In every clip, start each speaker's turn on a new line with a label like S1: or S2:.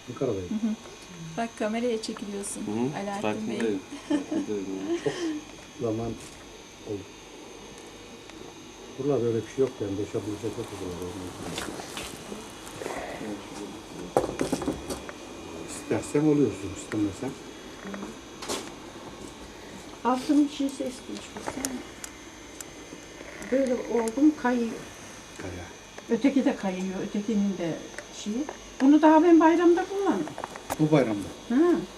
S1: Ankara'dayım.
S2: Bak kameraya çekiliyorsun Alaaddin Bey.
S1: Çok zaman oldu. Buralarda öyle bir şey yok yani. Boşabilecek yok buralarda. İstersen oluyorsun, istemesen.
S3: Altının içi ses geçmiş. Böyle oldum kayıyor.
S1: Kaya.
S3: Öteki de kayıyor. Ötekinin de şeyi. Bunu daha ben bayramda kullandım.
S1: Bu bayramda.
S3: Ha.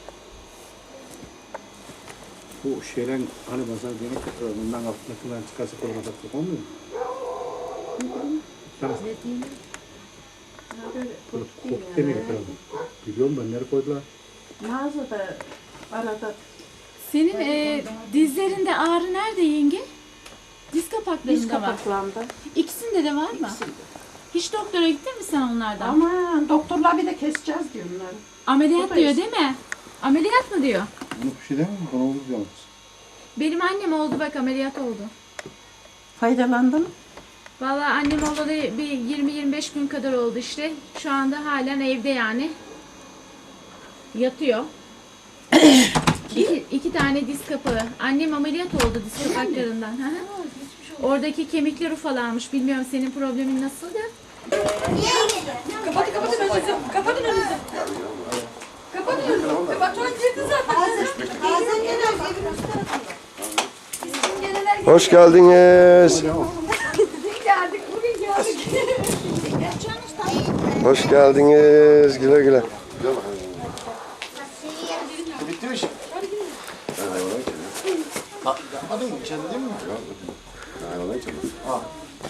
S1: Bu şeyler hani mesela yemek yapıyorlar. Bundan altındakinden çıkarsa koluna taktık olmuyor mu? Tamam.
S3: Böyle
S1: Kokuk demeye getirdim. Biliyorum ben nereye koydular.
S3: mağazada arada
S2: Senin dizlerinde ağrı nerede yenge? Diz kapaklarında
S3: diz
S2: var.
S3: kapaklarında.
S2: İkisinde de var mı? Hiç doktora gittin mi sen onlardan?
S3: Aman doktorlar bir de keseceğiz diyorlar.
S2: Ameliyat
S3: Buradayız.
S2: diyor değil mi? Ameliyat mı diyor?
S1: Bunu bir şey değil mi? Bana olur yalnız.
S2: Benim annem oldu bak ameliyat oldu.
S3: Faydalandın.
S2: Vallahi annem olalı bir 20-25 gün kadar oldu işte. Şu anda halen evde yani. Yatıyor. iki tane diz kapağı. Annem ameliyat oldu diz kapaklarından. Hı hı. Oradaki kemikler ufalanmış. Bilmiyorum senin problemin nasıl da.
S4: Kapatın önünüzü. Kapatın önünüzü. Kapatın önünüzü. Bak sonra girdi zaten. Ağzın gelen
S5: Hoş geldiniz.
S4: geldik. Bugün geldik.
S5: Hoş geldiniz. Güle güle.
S6: Bitti mi şimdi? Yapmadın mı? İçeride değil mi? Hayvana içeride. Ha.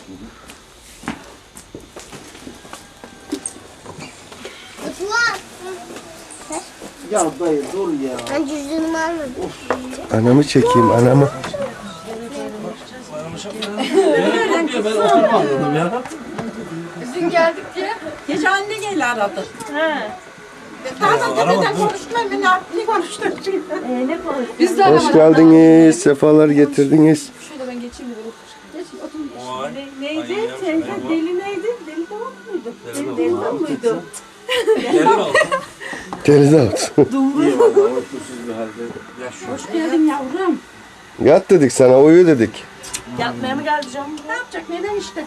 S6: Ya dayı dur ya.
S7: Ben cüzdanımı almadım.
S5: Anamı çekeyim, anamı.
S4: Dün geldik diye. Gece anne geldi aradı. He. Bazen tepeden konuştular beni. Ne konuştular çünkü? Ne konuştular? Biz de
S5: Hoş geldiniz. Sefalar getirdiniz.
S4: Şöyle ben geçeyim de böyle. Geç otur. Neydi? Sevgi deli neydi? Deli Davut muydu? Deli Davut muydu?
S5: Deli Davut.
S3: Hoş geldin yavrum.
S5: Yat dedik sana, uyu dedik.
S4: Yatmaya mı geldi canım?
S3: Ne yapacak? Neden işte?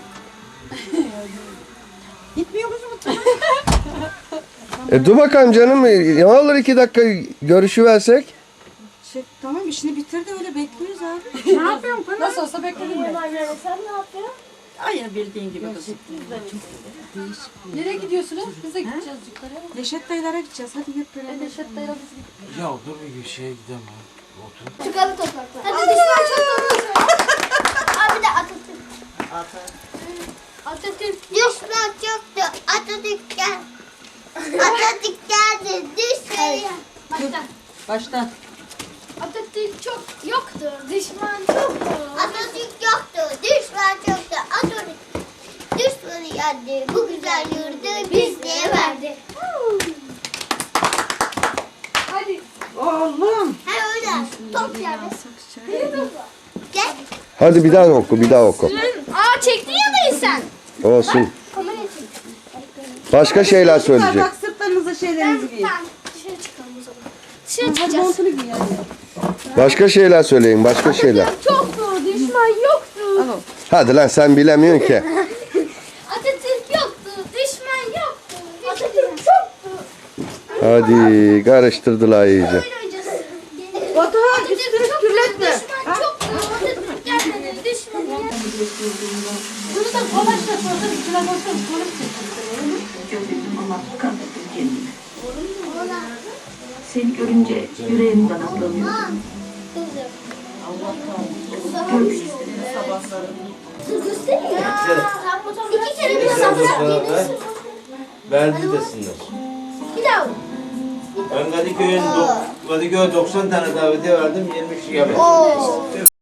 S4: Gitmiyor musun mutfağa?
S5: Dur bakalım canım. Ne olur 2 dakika görüşüversek.
S4: Tamam işini bitir de öyle bekliyoruz abi.
S3: Ne yapıyorsun Pınar?
S4: Nasıl olsa bekledim ben.
S7: Sen ne yapıyorsun?
S3: Aynı bildiğin gibi kızım.
S4: Nereye gidiyorsunuz? Biz de gideceğiz yukarı. Neşet dayılara gideceğiz. Hadi hep beraber. Neşet dayılara biz gideceğiz.
S6: Ya dur bir şeye gidelim ya. Otur.
S7: Çıkalım topraklar. Hadi düşman çok doğru. Abi de Atatürk. Atatürk. Düşman çoktu. Atatürk gel. Atatürk geldi. Düşman. Başla.
S4: Başla.
S7: Atatürk çok yoktu. Düşman çoktu. Atatürk yoktu. Düşman çoktu. Atatürk düşmanı yendi. Bu güzel yurdu bizlere verdi.
S4: Hadi.
S3: Oğlum.
S7: Ha öyle. Top yerde. Gel.
S5: Hadi bir daha oku, bir daha oku.
S7: Aa çektin ya dayı sen.
S5: Olsun.
S7: Kamerayı çek.
S5: Başka şeyler söyleyecek.
S4: Bak sırtlarınıza şeylerinizi giyin.
S7: Tamam dışarı çıkalım o zaman. Dışarı çıkacağız.
S4: Montunu giy yani.
S5: Başka şeyler söyleyin, başka şeyler.
S7: Çoktu. Düşman yoktu.
S5: Hadi lan sen bilemiyorsun ki.
S7: Atatürk yoktu. Düşman yoktu. Atatürk çoktu.
S5: Hadi karıştırdılar iyice.
S7: Oyun oynayacağız.
S4: Batuhan
S7: Atatürk
S4: üstünü
S7: çoktu.
S4: kirletme.
S7: Düşman çoktu. Atatürk gelmedi. Düşman gelmedi.
S4: Bunu da kolaşla sonra içine koysan konuş çekilsin.
S8: Seni görünce yüreğim kanatlanıyor.
S7: Dur göstereyim ya. İki kere bir sabah gelirsin.
S6: Verdi desinler.
S7: Bir daha.
S6: Ben Kadıköy 90 tane davetiye verdim, 20 kişi gelmedi.
S7: Oo.